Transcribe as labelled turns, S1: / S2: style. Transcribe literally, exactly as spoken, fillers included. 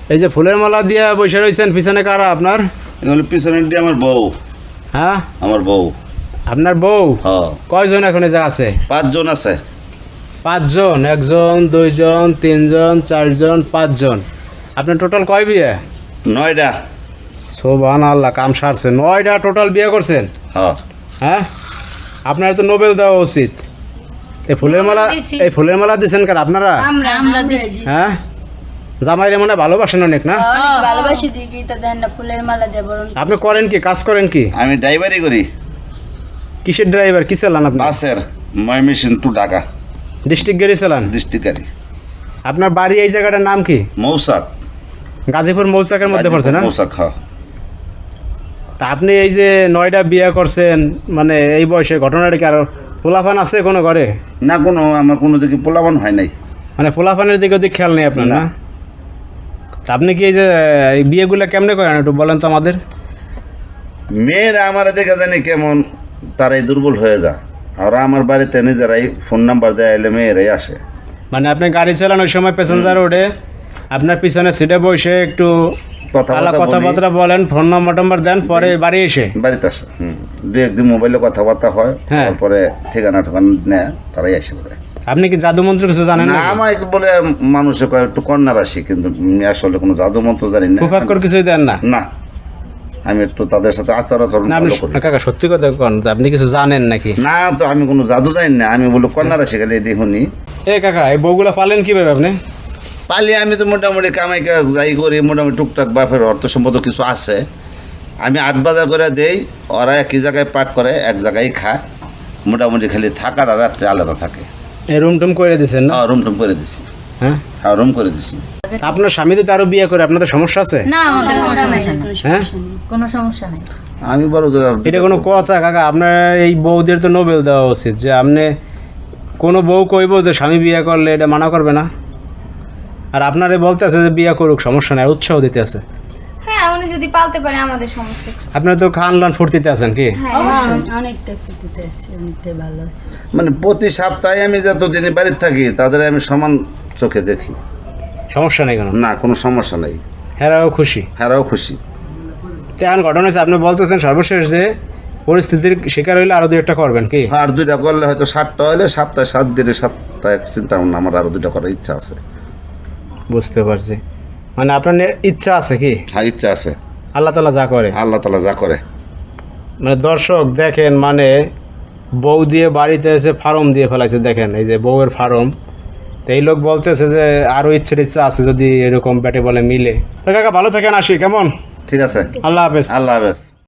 S1: এই যে ফুলের মালা দিয়ে বসে রয়েছেন, পিছনে কারা আপনার?
S2: এগুলো পিছনে দিয়ে আমার বউ।
S1: হ্যাঁ,
S2: আমার বউ।
S1: আপনার বউ?
S2: হ্যাঁ।
S1: কয়জন এখন এই জায়গা আছে?
S2: পাঁচজন আছে।
S1: পাঁচজন? একজন, দুইজন, তিনজন, চারজন, পাঁচজন। আপনার টোটাল কয় বিয়ে?
S2: নয়টা।
S1: সুবহানাল্লাহ, কাম সারছে। নয়টা টোটাল বিয়ে করছেন?
S2: হ্যাঁ।
S1: হ্যাঁ, আপনার তো নোবেল দেওয়া উচিত। এই ফুলের মালা, এই ফুলের মালা দিচ্ছেন কার আপনারা?
S3: আমরা আমরা দিছি।
S1: হ্যাঁ, জামাইরে মনে হয় ভালোবাসেন অনেক না?
S3: অনেক ভালোবাসি দিই তো দেন না ফুলের মালা দেব।
S1: আপনি করেন কি, কাজ করেন কি?
S2: আমি ড্রাইভারি করি।
S1: কিসের ড্রাইভার, কি চালান আপনি?
S2: বাসের ময়মনসিং টু ঢাকা
S1: ডিস্ট্রিক্ট গাড়ি চালান?
S2: ডিস্ট্রিক্টারি।
S1: আপনার বাড়ি এই জায়গাটার নাম কি?
S2: মৌসাক।
S1: গাজীপুর মৌচাকের মধ্যে পড়ছে না?
S2: মৌসাক। হ্যাঁ।
S1: তা আপনি এই যে নয়টা বিয়ে করছেন, মানে এই বয়সে ঘটনাটা কি আর পোলাপান আছে কোনো ঘরে?
S2: না, কোনো আমার কোনো দিকে পোলাবান হয় নাই।
S1: মানে পোলাপানের দিকে ওদিক খেয়াল নেই আপনার না?
S2: না।
S1: তা আপনি কি এই যে এই বিয়েগুলো কেমনে করেন একটু বলেন তো আমাদের।
S2: মেয়েরা আমার দেখা জানি কেমন, তারাই দুর্বল হয়ে যায়। আর আমার বাড়িতে নিজেরাই ফোন নাম্বার দেয়, এলে মেয়েরাই আসে।
S1: মানে আপনি গাড়ি চালান, ওই সময় প্যাসেঞ্জার ওঠে, আপনার পিছনে সিটে বসে একটু
S2: কথাবার্তা বলি।
S1: কথাবার্তা বলেন, ফোন নম্বর টম্বর দেন, পরে বাড়ি এসে
S2: বাড়িতে আসে। হুম, দু একদিন মোবাইলে কথাবার্তা হয়।
S1: হ্যাঁ।
S2: তারপরে ঠিকানা ঠিকানা নেয়, তারাই আসে বলে।
S1: আপনি কি জাদু মন্ত্র কিছু জানেন
S2: না,
S1: না?
S2: আমাকে বলে মানুষে কয় একটু কন্যা রাশি, কিন্তু আমি আসলে কোনো জাদু মন্ত্র জানি না।
S1: কুফাক্কর কিছুই দেন না?
S2: না, আমি একটু তাদের সাথে আচার আচরণ
S1: না, আপনি
S2: ভালো করি।
S1: কাকা সত্যি কথা কোন, আপনি কিছু জানেন নাকি?
S2: না, তো আমি কোনো জাদু জানি না। আমি বলি কন্যা রাশি গেলে দেখুনি।
S1: এ কাকা, এই বউগুলা পালেন কিভাবে আপনি?
S2: পালি আমি তো মোটামুটি কামাই কাজ যাই করি, মোটামুটি টুকটাক বাপের অর্থ সম্পদ কিছু আছে। আমি আট বাজার করে দেই, ওরা একই জায়গায় পাক করে, এক জায়গায় খায়। মোটামুটি খালি থাকার আর রাত্রে আলাদা থাকে।
S1: এই রুম টুম করে দিচ্ছেন না?
S2: হ্যাঁ, রুম টুম করে দিছি।
S1: হ্যাঁ,
S2: হ্যাঁ, রুম করে দিছি।
S1: আপনার স্বামী তো আরো বিয়ে করে, আপনাদের সমস্যা আছে?
S3: না আমাদের কোনো সমস্যা নাই।
S1: হ্যাঁ,
S3: কোনো সমস্যা নাই।
S2: আমি বড়
S1: এটা কোনো কথা কাকা? আপনার এই বউদের তো নোবেল দেওয়া উচিত, যে আপনি কোনো বউ কইব যে স্বামী বিয়ে করলে এটা মানা করবে না, আর আপনারে বলতে আছে যে বিয়ে করুক, সমস্যা নেই, উৎসাহ দিতে আছে।
S4: হ্যাঁ, উনি যদি পালতে পারে আমাদের সমস্যা কি?
S1: আপনারা তো খান লান ফুর্তিতে আছেন কি?
S4: হ্যাঁ,
S3: অনেকটা খুঁটিতে আসছে, অনেকটাই ভালো আছে।
S2: মানে প্রতি সপ্তাহে আমি যতদিন বাড়িতে থাকি তাদের আমি সমান চোখে দেখি।
S1: সমস্যা নেই কেন?
S2: না, কোনো সমস্যা নেই।
S1: হেরাও খুশি?
S2: হ্যাঁরাও খুশি।
S1: তো এখন ঘটনা হচ্ছে, আপনি বলতেছেন সর্বশেষ যে পরিস্থিতির শিকার হইলে আরো দুই একটা করবেন কি?
S2: আর দুইটা করলে হয়তো সাতটা হলে সপ্তাহে সাত দিনে সাতটা চিন্তা ভাবনা আমার আরো দুইটা করার ইচ্ছা আছে।
S1: বুঝতে পারছি। মানে আপনার নে- ইচ্ছা আছে কি?
S2: হ্যাঁ, ইচ্ছা আছে।
S1: আল্লাহ তালা যা করে।
S2: আল্লাহ তালা যা করে।
S1: মানে দর্শক দেখেন, মানে বউ দিয়ে বাড়িতে এসে ফার্ম দিয়ে ফেলাইছে, দেখেন এই যে বউয়ের ফার্ম। তো এই লোক বলতেছে যে আরও ইচ্ছের ইচ্ছা আছে যদি এরকম ব্যাটে বলে মিলে। তো কাকা ভালো থাকেন, আসি কেমন?
S2: ঠিক আছে।
S1: আল্লাহ হাফেজ।
S2: আল্লাহ হাফেজ।